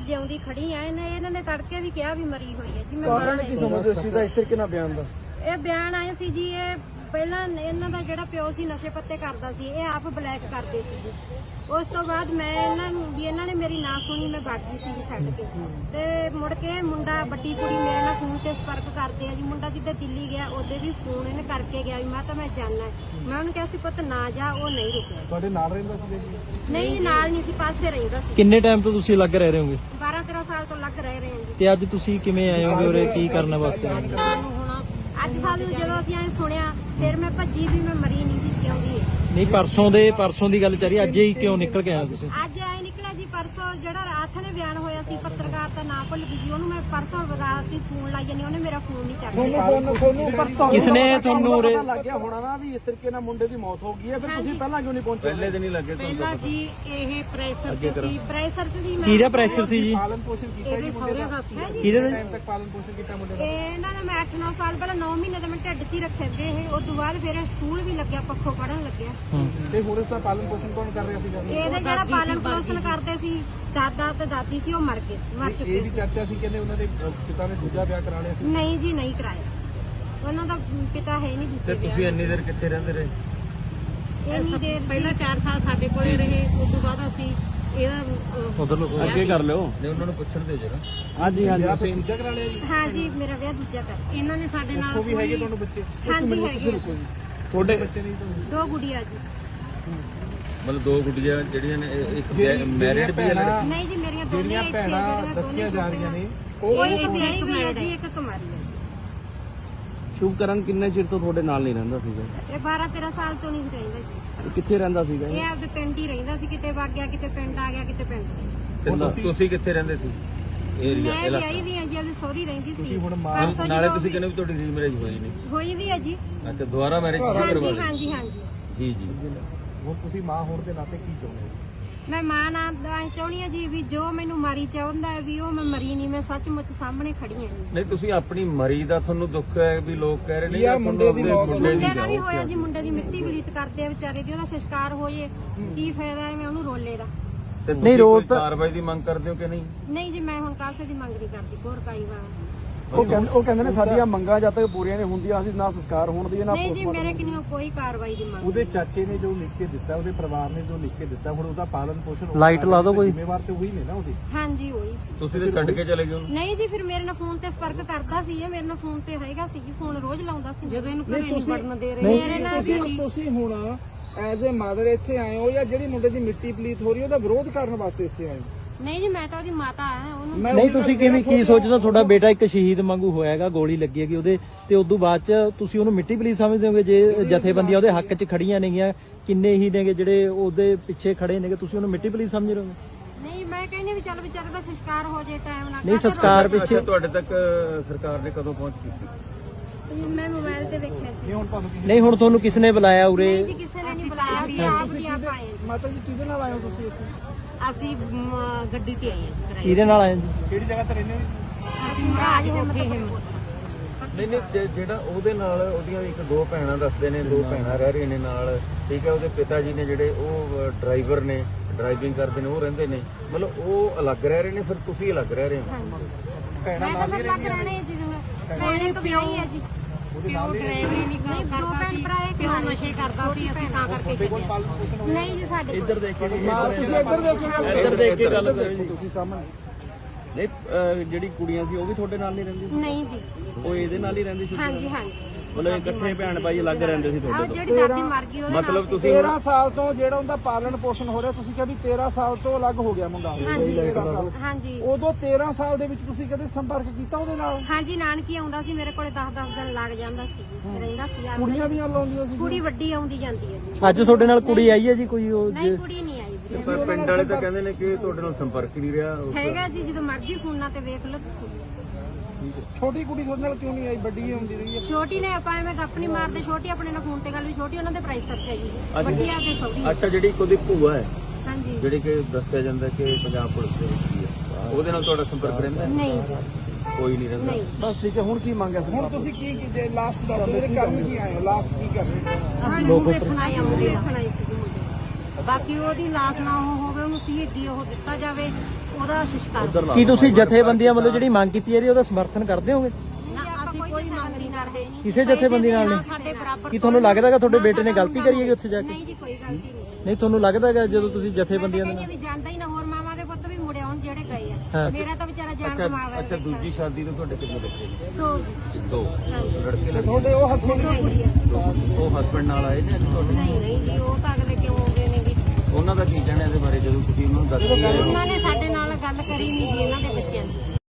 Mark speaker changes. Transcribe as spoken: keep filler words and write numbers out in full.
Speaker 1: ਜਿਉਂਦੀ ਖੜੀ ਆ। ਇਹਨੇ ਇਹਨਾਂ ਨੇ ਤੜਕੇ ਵੀ ਕਿਹਾ ਵੀ ਮਰੀ ਹੋਈ ਹੈ ਜੀ। ਮੈਂ
Speaker 2: ਕਾਰਨ ਕੀ ਸਮਝਦੇ ਸੀ ਦਾ ਇਸ ਤਰੀਕੇ ਨਾਲ ਬਿਆਨ ਦਾ?
Speaker 1: ਇਹ ਬਿਆਨ ਆਏ ਸੀ ਜੀ, ਇਹ ਪਹਿਲਾਂ ਇਹਨਾਂ ਦਾ ਜਿਹੜਾ ਪਿਓ ਸੀ ਨਸ਼ੇ ਪੱਤੇ ਕਰਦਾ ਸੀ, ਇਹ ਆਪ ਬਲੈਕ ਕਰਦੇ ਸੀ ਜੀ। ਉਸ ਤੋਂ ਬਾਅਦ ਮੈਂ ਇਹਨਾਂ ਨੂੰ ਵੀ ਇਹਨਾਂ ਨੇ ਮੇਰੀ ਨਾ ਸੁਣੀ, ਮੈਂ ਬਾਗੀ ਸੀ ਜੀ ਛੱਡ ਕੇ। ਤੇ ਮੁੜ ਕੇ ਮੁੰਡਾ ਵੱਡੀ ਕੁੜੀ ਮੇਰੇ ਨਾਲ ਫੋਨ ਤੇ ਸੰਪਰਕ ਕਰਦੇ ਆ ਜੀ। ਮੁੰਡਾ ਜਿੱਦੇ ਦਿੱਲੀ ਗਿਆ ਉਹਦੇ ਵੀ ਫੋਨ ਇਹਨੇ ਕਰਕੇ ਗਿਆ ਵੀ ਮੈਂ ਤਾਂ ਮੈਂ ਜਾਣਾ। ਮੈਂ ਉਹਨੂੰ ਕਿਹਾ ਸੀ ਪੁੱਤ ਨਾ ਜਾ, ਉਹ ਨਹੀਂ ਰੁਕਿਆ।
Speaker 2: ਤੁਹਾਡੇ ਨਾਲ ਰਹਿੰਦਾ ਸੀ ਜੀ?
Speaker 1: ਨਹੀਂ ਨਾਲ ਨਹੀਂ ਸੀ, ਪਾਸੇ ਰਹਿੰਦਾ ਸੀ।
Speaker 3: ਕਿੰਨੇ ਟਾਈਮ ਤੋਂ ਤੁਸੀਂ ਲੱਗ ਰਹੇ ਹੋਗੇ?
Speaker 1: ਬਾਰਾਂ ਤੇਰਾਂ ਸਾਲ ਤੋਂ ਲੱਗ ਰਹੇ ਰਹੇ ਹਾਂ ਜੀ।
Speaker 3: ਤੇ ਅੱਜ ਤੁਸੀਂ ਕਿਵੇਂ ਆਏ ਹੋਗੇ ਉਰੇ, ਕੀ ਕਰਨ ਵਾਸਤੇ ਆਏ ਹੋ?
Speaker 1: ਅੱਜ ਸਾਨੂੰ ਜਦੋਂ ਅਸੀਂ ਐ ਸੁਣਿਆ ਫਿਰ ਮੈਂ ਭੱਜੀ ਵੀ ਮੈਂ ਮਰੀ ਨਹੀਂ ਜੀ, ਕਿਉਂਦੀ ਹੈ।
Speaker 3: ਨਹੀਂ ਪਰਸੋਂ ਦੇ ਪਰਸੋਂ ਦੀ ਗੱਲ ਚੱਲ ਰਹੀ, ਅੱਜ ਹੀ ਕਿਉਂ ਨਿਕਲ ਕੇ ਆਏ ਹੋ ਤੁਸੀਂ?
Speaker 1: ਅੱਜ ਐ ਨਿਕਲਿਆ ਜੀ ਪਰਸੋਂ ਜਿਹੜਾ ਰਾਤ ਨੇ ਬਿਆਨ ਹੋਇਆ ਸੀ, ਪੱਤਰਕਾਰ ਦਾ ਨਾਂ ਭੁੱਲ ਗਈ ਜੀ। ਉਹਨੂੰ ਮੈਂ ਪਰਸੋਂ ਰਾਤ ਹੀ ਫੋਨ ਲਾਈ ਜਾਨੀ, ਉਹਨੇ ਮੇਰਾ ਫੋਨ ਨਹੀਂ ਚੱਕਿਆ।
Speaker 3: ਕਿਸਨੇ ਤੁਹਾਨੂੰ ਉਰੇ
Speaker 2: ਪਤਾ ਲੱਗ ਗਿਆ ਹੋਣਾ ਨਾ ਵੀ ਇਸ ਤਰੀਕੇ ਨਾਲ ਮੁੰਡੇ ਦੀ ਮੌਤ ਹੋ ਗਈ ਹੈ, ਫਿਰ ਤੁਸੀਂ ਪਹਿਲਾਂ ਕਿਉਂ ਨਹੀਂ ਪਹੁੰਚੇ? ਪਹਿਲੇ ਦਿਨ ਹੀ ਲੱਗੇ
Speaker 4: ਪਹਿਲਾਂ ਜੀ ਇਹ ਪ੍ਰੈਸ਼ਰ ਤੇ ਸੀ,
Speaker 1: ਪ੍ਰੈਸ਼ਰ ਚ ਸੀ ਮੈਂ।
Speaker 3: ਕਿਹਦਾ ਪ੍ਰੈਸ਼ਰ ਸੀ ਜੀ?
Speaker 2: ਪਾਲਣ ਪੋਸ਼ਣ ਕੀਤਾ
Speaker 4: ਇਹਦੇ ਸਹੁਰੇ ਦਾ ਸੀ।
Speaker 3: ਕਿਹਦੇ
Speaker 2: ਟਾਈਮ ਤੱਕ ਪਾਲਣ ਪੋਸ਼ਣ ਕੀਤਾ ਮੁੰਡੇ ਦਾ?
Speaker 1: ਇਹਨਾਂ ਨੇ ਮੈਂ ਅੱਠ ਨੌ ਸਾਲ ਪਹਿਲਾਂ ਨੌ ਮਹੀਨੇ ਦਾ ਮੈਂ ਢਿੱਡ 'ਚ ਹੀ ਰੱਖੇ ਵੇ ਇਹ। ਉਸ ਤੋਂ ਬਾਅਦ ਫਿਰ ਸਕੂਲ ਵੀ ਲੱਗਿਆ, ਪੱਖੋਂ ਪੜਨ ਲੱਗਿਆ।
Speaker 2: ਤੇ ਹੁਣ ਇਸ ਦਾ ਪਾਲਣ ਪੋਸ਼ਣ ਕੌਣ ਕਰ ਰਿਹਾ ਸੀਗਾ?
Speaker 1: ਇਹਦੇ ਜਿਹੜਾ ਪਾਲਣ ਪੋਸ਼ਣ ਕਰਦੇ ਸੀ ਦਾਦਾ ਤੇ ਦਾਦੀ ਸੀ, ਉਹ ਮਰ ਗਏ ਸੀ, ਮਰ ਚੁੱਕੇ
Speaker 2: ਇਹ ਵੀ
Speaker 1: ਸੀ।
Speaker 2: ਚਰਚਾ ਸੀ ਕਹਿੰਦੇ ਉਹਨਾਂ ਦੇ ਪਿਤਾ ਨੇ ਦੂਜਾ ਵਿਆਹ ਕਰਾ ਲਿਆ ਸੀ।
Speaker 1: ਨਹੀਂ ਜੀ ਨਹੀਂ ਕਰਾਇਆ, ਉਹਨਾਂ ਦਾ ਪਿਤਾ ਹੈ ਨਹੀਂ
Speaker 2: ਤੇ
Speaker 1: ਦਿੱਤੇ।
Speaker 2: ਤੁਸੀਂ ਇੰਨੀ ਦੇਰ ਕਿੱਥੇ ਰਹਿੰਦੇ ਰਹੇ?
Speaker 1: ਇੰਨੀ ਦੇਰ
Speaker 4: ਪਹਿਲਾਂ ਚਾਰ ਸਾਲ ਸਾਡੇ ਕੋਲੇ ਰਹੇ, ਉਸ ਤੋਂ ਬਾਅਦ ਅਸੀਂ ਇਹਦਾ
Speaker 3: ਉਧਰ ਲੋਕ
Speaker 2: ਅੱਗੇ ਕਰ ਲਿਓ, ਨਹੀਂ ਉਹਨਾਂ ਨੂੰ ਪੁੱਛਣ ਦਿਓ ਜਰਾ। ਹਾਂਜੀ ਹਾਂਜੀ ਤੁਸੀਂ ਦੂਜਾ ਕਰਾ ਲਿਆ ਜੀ?
Speaker 1: ਹਾਂ ਜੀ, ਮੇਰਾ ਵਿਆਹ ਦੂਜਾ ਕਰ।
Speaker 4: ਇਹਨਾਂ ਨੇ ਸਾਡੇ ਨਾਲ
Speaker 2: ਉਹ ਵੀ ਹੈਗੇ ਤੁਹਾਨੂੰ ਬੱਚੇ?
Speaker 1: ਹਾਂਜੀ ਹੈਗੇ
Speaker 2: ਤੁਹਾਡੇ ਬੱਚੇ ਨਹੀਂ ਤੁਹਾਨੂੰ?
Speaker 1: ਦੋ ਗੁੜੀਆਂ ਜੀ।
Speaker 5: ਮਤਲਬ ਦੋ ਗੁੱਡੀਆਂ ਜਿਹੜੀਆਂ ਨੇ ਇਹ ਇੱਕ ਮੈਰਿਡ ਵੀ ਹੈ ਲੜਕੀ?
Speaker 1: ਨਹੀਂ ਜੀ, ਮੇਰੀਆਂ ਦੋਨੇ
Speaker 2: ਜਿਹੜੀਆਂ
Speaker 1: ਇੱਥੇ
Speaker 2: ਭੈਣਾਂ
Speaker 1: ਜਿਹੜੀਆਂ
Speaker 2: ਦੱਸੀਆਂ ਜਾ ਰਹੀਆਂ ਨੇ
Speaker 1: ਉਹ ਇੱਕ ਵਿਆਹੀ ਵੀ ਹੈ ਜੀ, ਇੱਕ ਕੁਮਾਰੀ ਹੈ।
Speaker 6: ਸ਼ੁਭਕਰਨ ਕਿੰਨੇ ਚਿਰ ਤੋਂ ਤੁਹਾਡੇ ਨਾਲ ਨਹੀਂ ਰਹਿੰਦਾ ਸੀਗਾ?
Speaker 1: ਇਹ ਬਾਰਾਂ ਤੇਰਾਂ ਸਾਲ ਤੋਂ ਨਹੀਂ ਰਹਿੰਦਾ ਜੀ।
Speaker 6: ਇਹ ਕਿੱਥੇ ਰਹਿੰਦਾ ਸੀਗਾ?
Speaker 1: ਇਹ ਆਪਦੇ ਪਿੰਡ ਹੀ ਰਹਿੰਦਾ ਸੀ, ਕਿਤੇ ਵਗ ਗਿਆ, ਕਿਤੇ ਪਿੰਡ ਆ ਗਿਆ, ਕਿਤੇ ਪਿੰਡ।
Speaker 5: ਤੇ ਤੁਸੀਂ- ਤੁਸੀਂ ਕਿੱਥੇ ਰਹਿੰਦੇ ਸੀ? ਏਰੀਆ
Speaker 1: ਮੈਂ ਵਿਆਹੀ ਵੀ ਹਾਂ ਜੀ, ਆਪਦੀ ਸਹੁਰੀ ਰਹਿੰਦੀ ਸੀ। ਪਰਸੋਂ
Speaker 5: ਨਾਲੇ
Speaker 1: ਜਦੋਂ
Speaker 5: ਤੁਸੀਂ ਕਹਿੰਦੇ ਵੀ ਤੁਹਾਡੀ ਰੀਮੈਰਿਜ ਹੋਈ ਨਹੀਂ?
Speaker 1: ਹੋਈ ਵੀ ਹੈ ਜੀ।
Speaker 5: ਅੱਛਾ, ਦੁਬਾਰਾ ਮੈਰਿਜ ਕਰਵਾ
Speaker 1: ਹਾਂਜੀ
Speaker 5: ਲਈ?
Speaker 1: ਹਾਂਜੀ ਹਾਂਜੀ।
Speaker 5: ਜੀ ਜੀ।
Speaker 2: ਹੁਣ ਤੁਸੀਂ ਮਾਂ ਹੋਣ ਦੇ ਨਾਤੇ ਕੀ ਚਾਹੁੰਦੇ ਹੋ?
Speaker 1: ਮੈਂ ਮਾਂ ਨਾਲ ਐਂ ਚਾਹੁੰਦੀ ਹਾਂ ਜੀ ਵੀ ਜੋ ਮੈਨੂੰ ਮਾਰੀ ਚਾਹੁੰਦਾ ਹੈ ਵੀ ਉਹ ਮੈਂ ਮਰੀ ਨਹੀਂ, ਮੈਂ ਸੱਚਮੁੱਚ ਸਾਹਮਣੇ ਖੜੀ ਹਾਂ ਜੀ।
Speaker 5: ਨਹੀਂ ਤੁਸੀਂ ਆਪਣੀ ਮਰੀ ਦਾ ਤੁਹਾਨੂੰ ਦੁੱਖ ਹੈ ਵੀ ਲੋਕ ਕਹਿ ਰਹੇ ਨੇ
Speaker 2: ਯਾਰ ਮੁੰਡੇ ਦੀ ਮੌਤ-
Speaker 5: ਮੁੰਡੇ
Speaker 1: ਮੁੰਡੇ ਦਾ
Speaker 5: ਦੀ
Speaker 1: ਵੀ ਹੋਇਆ ਜੀ, ਮੁੰਡੇ ਦੀ ਮਿੱਟੀ ਗਲੀਤ ਕਰਦੇ ਆ ਵਿਚਾਰੇ ਦੀ, ਉਹਦਾ ਸੰਸਕਾਰ ਹੋ ਜੇ ਕੀ ਫਾਇਦਾ ਹੈ ਮੈਂ ਉਹਨੂੰ ਰੋਲੇ ਦਾ।
Speaker 5: ਤੇ
Speaker 3: ਨਹੀਂ,
Speaker 5: ਨਹੀਂ
Speaker 3: ਰੋਲ
Speaker 5: ਰੋਜ਼
Speaker 3: ਤਾਂ-
Speaker 5: ਕਾਰਵਾਈ ਦੀ ਮੰਗ ਕਰਦੇ ਹੋ ਕਿ ਨਹੀਂ?
Speaker 1: ਨਹੀਂ ਜੀ, ਮੈਂ ਹੁਣ ਕਾਸੇ ਦੀ ਮੰਗ ਨਹੀਂ ਕਰਦੀ, ਕੋਰ ਕਾਈ ਵਾਲਾ।
Speaker 2: ਉਹ ਕਹਿੰਦੇ ਉਹ ਕਹਿੰਦੇ ਨੇ ਸਾਡੀਆਂ ਮੰਗਾਂ ਜਦ ਤੱਕ ਪੂਰੀਆਂ ਨਹੀਂ ਹੁੰਦੀਆਂ ਅਸੀਂ ਨਾ ਸੰਸਕਾਰ ਹੋਣ ਦੀ ਨਾ
Speaker 1: ਨਹੀਂ ਜੀ, ਮੇਰੇ ਕਿੰਨੀ ਕੋਈ ਕਾਰਵਾਈ ਦੀ ਮੰਗ।
Speaker 2: ਉਹਦੇ ਚਾਚੇ ਨੇ ਜੋ ਲਿਖ ਕੇ ਦਿੱਤਾ, ਉਹਦੇ ਪਰਿਵਾਰ ਨੇ ਜੋ ਲਿਖ ਕੇ ਦਿੱਤਾ, ਹੁਣ ਉਹਦਾ ਪਾਲਣ ਪੋਸ਼ਣ
Speaker 3: ਲਾਈਟ ਲਾ ਦਿਓ ਕੋਈ।
Speaker 2: ਜ਼ਿੰਮੇਵਾਰ ਤੇ ਉਹੀ ਨੇ ਨਾ ਉਹਦੀ।
Speaker 1: ਹਾਂਜੀ ਹੋਈ ਸੀ।
Speaker 5: ਤੁਸੀਂ ਤੇ ਛੱਡ ਕੇ ਚਲੇ ਗਏ ਉਹਨੂੰ?
Speaker 1: ਨਹੀਂ ਜੀ, ਫਿਰ ਮੇਰੇ ਨਾਲ ਫੋਨ ਤੇ ਸੰਪਰਕ ਕਰਦਾ ਸੀ, ਇਹ ਮੇਰੇ ਨਾਲ ਫੋਨ ਤੇ ਹੈਗਾ ਸੀ ਜੀ, ਫੋਨ ਰੋਜ਼ ਲਾਉਂਦਾ ਸੀ।
Speaker 4: ਜਦੋਂ ਇਹਨੂੰ ਘਰੇ ਨਹੀਂ ਵੜਨ ਦੇ ਰਹੇ,
Speaker 1: ਮੇਰੇ ਨਾਲ ਵੀ
Speaker 2: ਤੁਸੀਂ ਤੁਸੀਂ ਹੁਣ ਐਜ਼ ਅ ਮਦਰ ਇੱਥੇ ਆਏ ਹੋ ਜਾਂ ਜਿਹੜੀ ਮੁੰਡੇ ਦੀ ਮਿੱਟੀ ਪਲੀਤ ਹੋ ਰਹੀ ਉਹਦਾ ਵਿਰੋਧ ਕਰਨ ਵਾਸਤੇ ਇੱਥੇ ਆਏ ਹੋ?
Speaker 1: ਨਹੀਂ ਜੀ, ਮੈਂ ਤਾਂ ਉਹਦੀ ਮਾਤਾ ਆ ਉਹਨੂੰ।
Speaker 3: ਨਹੀਂ ਤੁਸੀਂ ਕਿਵੇਂ ਕੀ ਸੋਚਦੇ ਹੋ? ਤੁਹਾਡਾ ਬੇਟਾ ਇੱਕ ਸ਼ਹੀਦ ਵਾਂਗੂ ਹੋਇਆਗਾ, ਗੋਲੀ ਲੱਗੀ ਹੈਗੀ ਉਹਦੇ, ਤੇ ਉਦੋਂ ਬਾਅਦ ਚ ਤੁਸੀਂ ਉਹਨੂੰ ਮਿੱਟੀ ਪਲੀਤ ਸਮਝਦੇ ਹੋਗੇ? ਜੇ ਜਥੇਬੰਦੀਆਂ ਉਹਦੇ ਹੱਕ ਚ ਖੜੀਆਂ ਨੇਗੀਆਂ, ਕਿੰਨੇ ਹੀ ਨੇਗੇ ਜਿਹੜੇ ਉਹਦੇ ਪਿੱਛੇ ਖੜੇ ਨੇਗੇ, ਤੁਸੀਂ ਉਹਨੂੰ ਮਿੱਟੀ ਪਲੀਤ ਸਮਝ ਰਹੇ ਹੋ?
Speaker 1: ਨਹੀਂ, ਮੈਂ ਕਹਿੰਦੀ ਵੀ ਚੱਲ ਵਿਚਾਰੇ ਦਾ ਸੰਸਕਾਰ ਹੋ ਜੇ ਟਾਈਮ ਨਾਲ।
Speaker 3: ਨਹੀਂ, ਸੰਸਕਾਰ ਪਿੱਛੇ
Speaker 5: ਅੱਛਾ, ਤੁਹਾਡੇ ਤੱਕ ਸਰਕਾਰ ਨੇ ਕਦੋਂ ਪਹੁੰਚ ਕੀਤੀ?
Speaker 1: ਮੈਂ ਮੋਬਾਈਲ ਤੇ ਵੇਖਿਆ ਸੀ।
Speaker 2: ਹੁਣ ਤੁਹਾਨੂੰ ਕੀ
Speaker 3: ਨਹੀਂ, ਹੁਣ ਤੁਹਾਨੂੰ ਕਿਸਨੇ ਬੁਲਾਇਆ ਉਰੇ?
Speaker 1: ਨਹੀਂ ਜੀ, ਕਿਸੇ ਨੇ ਨਹੀਂ ਬੁਲਾਇਆ, ਅਸੀਂ ਆਪ ਦੀ ਆਪ ਆਏ ਹਾਂ।
Speaker 2: ਮਾਤਾ ਜੀ ਕਿਹਦੇ ਨਾਲ ਆਏ ਹੋ ਤੁਸੀਂ ਇੱਥੇ?
Speaker 4: ਅਸੀਂ ਮ, ਗੱਡੀ ਤੇ ਆਏ ਹਾਂ ਕਿਰਾਏ
Speaker 3: ਕਿਹਦੇ ਨਾਲ ਆਏ ਜੀ?
Speaker 2: ਕਿਹੜੀ ਜਗ੍ਹਾ ਤੇ ਰਹਿੰਦੇ ਹੋ?
Speaker 4: ਅਸੀਂ ਮਹਾਰਾਜ ਕੋਠੇ ਹਿੰਮਤ।
Speaker 5: ਨਹੀਂ ਨਹੀਂ, ਜੇ- ਜਿਹੜਾ ਉਹਦੇ ਨਾਲ ਉਹਦੀਆਂ ਇੱਕ ਦੋ ਭੈਣਾਂ ਦੱਸਦੇ ਨੇ, ਦੋ ਭੈਣਾਂ ਰਹਿ ਰਹੀਆਂ ਨੇ ਨਾਲ, ਠੀਕ ਹੈ। ਉਹਦੇ ਪਿਤਾ ਜੀ ਨੇ ਜਿਹੜੇ ਉਹ ਡਰਾਈਵਰ ਨੇ, ਡਰਾਈਵਿੰਗ ਕਰਦੇ ਨੇ, ਉਹ ਰਹਿੰਦੇ ਨੇ, ਮਤਲਬ ਉਹ ਅਲੱਗ ਰਹਿ ਰਹੇ ਨੇ, ਫਿਰ ਤੁਸੀਂ ਅਲੱਗ ਰਹਿ ਰਹੇ ਹੋ?
Speaker 2: ਭੈਣਾਂ
Speaker 1: ਮੈਂ ਤਾਂ
Speaker 2: ਨਾਲ
Speaker 1: ਫਿਰ
Speaker 2: ਹੀ
Speaker 1: ਲੱਗ
Speaker 2: ਰਹਿੰਦੀਆਂ
Speaker 1: ਰਹਿਣੇ ਜੀ ਨੂੰ। ਭੈਣ ਇੱਕ ਵਿਆਹੀ ਹੈ ਜੀ।
Speaker 2: ਉਹਦੇ ਨਾਲ ਹੀ
Speaker 4: ਡਰਾਈਵਰੀ ਨਹੀਂ
Speaker 1: ਨਹੀਂ, ਦੋ
Speaker 4: ਕਰਦਾ
Speaker 1: ਭੈਣ
Speaker 4: ਸੀ,
Speaker 1: ਭਰਾ ਇੱਕ
Speaker 4: ਪਿਓ ਨਸ਼ੇ ਕਰਦਾ ਸੀ, ਅਸੀਂ ਤਾਂ ਕਰਕੇ
Speaker 2: ਤੁਹਾਡੇ ਕੋਲ
Speaker 4: ਛੱਡਿਆ।
Speaker 2: ਪਾਲਣ ਪੋਸ਼ਣ ਹੋਇਆ?
Speaker 1: ਨਹੀਂ ਜੀ, ਸਾਡੇ ਕੋਲ।
Speaker 3: ਦੇਖ ਕੇ
Speaker 2: ਮਾਂ ਤੁਸੀਂ ਇੱਧਰ ਦੇਖੋ,
Speaker 6: ਇੱਧਰ ਦੇਖ ਕੇ ਗੱਲ ਕਰੋ ਜੀ।
Speaker 2: ਤੁਸੀਂ ਸਾਹਮਣੇ।
Speaker 6: ਨਹੀਂ ਅਹ ਜਿਹੜੀ ਕੁੜੀਆਂ ਸੀ ਉਹ ਵੀ ਤੁਹਾਡੇ ਨਾਲ ਨਹੀਂ ਰਹਿੰਦੀ ਸੀ?
Speaker 1: ਨਹੀਂ ਜੀ।
Speaker 6: ਉਹ ਇਹਦੇ ਨਾਲ ਹੀ ਰਹਿੰਦੀ ਸੀ?
Speaker 1: ਹਾਂਜੀ ਹਾਂਜੀ।
Speaker 6: ਮਤਲਬ ਇਕੱਠੇ ਭੈਣ ਭਾਈ ਅਲੱਗ ਰਹਿੰਦੇ ਸੀ
Speaker 1: ਆਹ
Speaker 6: ਤੁਹਾਡੇ ਤੋਂ?
Speaker 1: ਜਿਹੜੀ ਦਾਦੀ ਮਰ ਗਈ ਉਹਦੇ ਨਾਲ
Speaker 5: ਮਤਲਬ
Speaker 1: ਸੀ।
Speaker 5: ਤੁਸੀਂ
Speaker 2: ਤੇਰਾਂ ਸਾਲ ਤੋਂ ਜਿਹੜਾ ਉਹਦਾ ਪਾਲਣ ਪੋਸ਼ਣ ਹੋ ਰਿਹਾ, ਤੁਸੀਂ ਕਿਹਾ ਵੀ ਤੇਰਾਂ ਸਾਲ ਤੋਂ ਅਲੱਗ ਹੋ ਗਿਆ ਮੁੰਡਾ।
Speaker 1: ਹਾਂਜੀ
Speaker 2: ਤੇਰਾਂ ਸਾਲ।
Speaker 1: ਹਾਂਜੀ
Speaker 2: ਉਦੋਂ ਤੇਰਾਂ ਸਾਲ ਦੇ ਵਿੱਚ ਤੁਸੀਂ ਕਦੇ ਸੰਪਰਕ ਕੀਤਾ ਉਹਦੇ ਨਾਲ?
Speaker 1: ਹਾਂਜੀ, ਨਾਨਕੀ ਆਉਂਦਾ ਸੀ ਮੇਰੇ ਕੋਲੇ, ਦਸ ਦਸ ਦਿਨ ਲੱਗ ਜਾਂਦਾ ਸੀ, ਰਹਿੰਦਾ ਸੀ ਆ।
Speaker 2: ਕੁੜੀਆਂ ਵੀ ਨਾਲ ਆਉਂਦੀਆਂ ਸੀ?
Speaker 1: ਕੁੜੀ ਵੱਡੀ ਆਉਂਦੀ ਜਾਂਦੀ ਹੈ ਜੀ।
Speaker 3: ਅੱਜ ਤੁਹਾਡੇ ਨਾਲ ਕੁੜੀ ਆਈ ਹੈ ਜੀ ਕੋਈ? ਉਹ
Speaker 1: ਨਹੀਂ, ਕੁੜੀ ਨਹੀਂ ਆਈ ਵੀਰੇ।
Speaker 5: ਪਰ ਪਿੰਡ ਵਾਲੇ ਤਾਂ ਕਹਿੰਦੇ ਨੇ ਕਿ ਤੁਹਾਡੇ ਨਾਲ ਸੰਪਰਕ ਹੀ ਨਹੀਂ ਰਿਹਾ।
Speaker 1: ਹੈਗਾ ਜੀ, ਜਦੋਂ ਮਰਜ਼ੀ ਫੋਨਾਂ ਤੇ ਵੇਖ ਲਓ ਤੁਸੀਂ।
Speaker 2: ਛੋਟੀ ਕੁੜੀ ਤੁਹਾਡੇ ਨਾਲ ਕਿਉਂ ਨਹੀਂ ਆਈ? ਵੱਡੀ ਹੀ ਆਉਂਦੀ ਰਹੀ ਹੈ।
Speaker 1: ਛੋਟੀ ਨੇ ਆਪਾਂ ਐਵੇਂ ਗੱਪ ਨਹੀਂ ਮਾਰਦੇ, ਛੋਟੀ ਆਪਣੇ ਨਾਲ ਫੋਨ ਤੇ ਗੱਲ ਵੀ, ਛੋਟੀ ਉਹਨਾਂ ਦੇ ਪ੍ਰਾਈਸ ਤੱਕ ਹੈ ਜੀ, ਵੱਡੀ ਆ ਕੇ ਸੌਦੀ।
Speaker 5: ਅੱਛਾ, ਜਿਹੜੀ ਉਹਦੀ ਭੂਆ ਹੈ,
Speaker 1: ਹਾਂਜੀ।
Speaker 5: ਜਿਹੜੀ ਕਿ ਦੱਸਿਆ ਜਾਂਦਾ ਕਿ ਪੰਜਾਬ ਪੁਲਿਸ ਦੇ ਵਿੱਚ ਹੀ ਹੈ, ਉਹਦੇ ਨਾਲ ਤੁਹਾਡਾ ਸੰਪਰਕ ਰਹਿੰਦਾ ਹੈ?
Speaker 1: ਨਹੀਂ
Speaker 5: ਕੋਈ ਨਹੀਂ ਰਹਿੰਦਾ?
Speaker 1: ਨਹੀਂ।
Speaker 2: ਬਸ ਠੀਕ ਹੈ। ਹੁਣ ਕੀ ਮੰਗਿਆ ਹੁਣ ਤੁਸੀਂ ਕੀ ਕੀ ਲਾਸਟ ਦੱਸੋ, ਮੇਰੇ ਕਰਨ ਕੀ ਆਏ ਹੋ? ਲਾਸਟ ਕੀ ਕਰ ਰਹੇ ਹੋ?
Speaker 4: ਅਸੀਂ ਲੋਕ ਵੇਖਣ ਆਏ ਹਾਂ ਮੁੰਡੇ ਦਾ।
Speaker 1: ਦੇਖਣ ਆਈ ਸੀ ਮੁੰਡੇ।
Speaker 4: ਬਾਕੀ ਉਹਦੀ ਲਾਸ਼ ਨਾ ਉਹ ਹੋਵੇ, ਉਹਨੂੰ ਸ਼ਹੀਦੀ ਉਹ ਦਿੱਤਾ ਜਾਵੇ, ਉਹਦਾ ਸੰਸਕਾਰ
Speaker 3: ਕੀ ਤੁਸੀਂ ਜਥੇਬੰਦੀਆਂ ਵੱਲੋਂ ਜਿਹੜੀ ਮੰਗ ਕੀਤੀ ਹੈ ਉਹਦਾ ਸਮਰਥਨ ਕਰਦੇ ਹੋਗੇ?
Speaker 4: ਨਾ ਅਸੀਂ ਕੋਈ ਮੰਗ ਨਹੀਂ ਕਰਦੇ।
Speaker 3: ਕਿਸੇ ਜਥੇਬੰਦੀ ਨਾਲ
Speaker 4: ਨਾ
Speaker 3: ਨਹੀਂ?
Speaker 4: ਸਾਡੇ ਬਰਾਬਰ
Speaker 3: ਕੀ ਤੁਹਾਨੂੰ ਲੱਗਦਾ ਹੈਗਾ ਤੁਹਾਡੇ ਬੇਟੇ ਨੇ ਗਲਤੀ ਕਰੀ ਹੈਗੀ ਉੱਥੇ ਜਾ ਕੇ?
Speaker 1: ਨਹੀਂ ਜੀ ਕੋਈ ਗਲਤੀ ਨਹੀਂ।
Speaker 3: ਨਹੀਂ ਤੁਹਾਨੂੰ ਲੱਗਦਾ ਹੈਗਾ ਜਦੋਂ ਤੁਸੀਂ ਜਥੇਬੰਦੀਆਂ ਦੇ
Speaker 1: ਕਹਿੰਦੇ
Speaker 3: ਨਾਲ
Speaker 1: ਵੀ ਜਾਂਦਾ ਹੀ ਨਾ, ਹੋਰ ਮਾਵਾਂ ਦੇ ਪੁੱਤ ਵੀ ਮੁੜੇ ਆਉਣ ਜਿਹੜੇ ਗਏ
Speaker 3: ਹਾਂ।
Speaker 1: ਆ। ਮੇਰਾ ਤਾਂ ਵਿਚਾਰਾ ਜਾਨ
Speaker 5: ਅੱਛਾ
Speaker 1: ਕਮਾਵਾ
Speaker 5: ਅੱਛਾ ਦੂਜੀ ਸ਼ਾਦੀ ਤੋਂ ਤੁਹਾਡੇ ਕਿੰਨੇ ਬੱਚੇ ਨੇ?
Speaker 1: ਦੋ
Speaker 5: ਦੋ ਲੜਕੇ ਲੜਕੀ
Speaker 2: ਤੁਹਾਡੇ ਉਹ ਹਸਬੰਡ
Speaker 5: ਉਹ ਹਸਬੰਡ ਨਾਲ ਆਏ ਨੇ ਤੁਹਾਡੇ?
Speaker 4: ਨਹੀਂ ਨਹੀਂ ਜੀ, ਉਹ ਤਾਂ ਅਗਲੇ ਕਿਉਂ ਆਉਂਦੇ ਨੇ ਜੀ।
Speaker 5: ਉਹਨਾਂ ਦਾ ਕੀ ਕਹਿਣਾ ਇਹਦੇ ਬਾਰੇ ਜਦੋਂ ਤੁਸੀਂ ਉਹਨਾਂ ਨੂੰ ਦੱਸੀ ਹੈ?
Speaker 4: ਉਹਨਾਂ ਨੇ ਸਾਡੇ ਨਾਲ ਗੱਲ ਕਰੀ ਨਹੀਂ ਜੀ ਇਹਨਾਂ ਦੇ ਬੱਚਿਆਂ ਦੀ।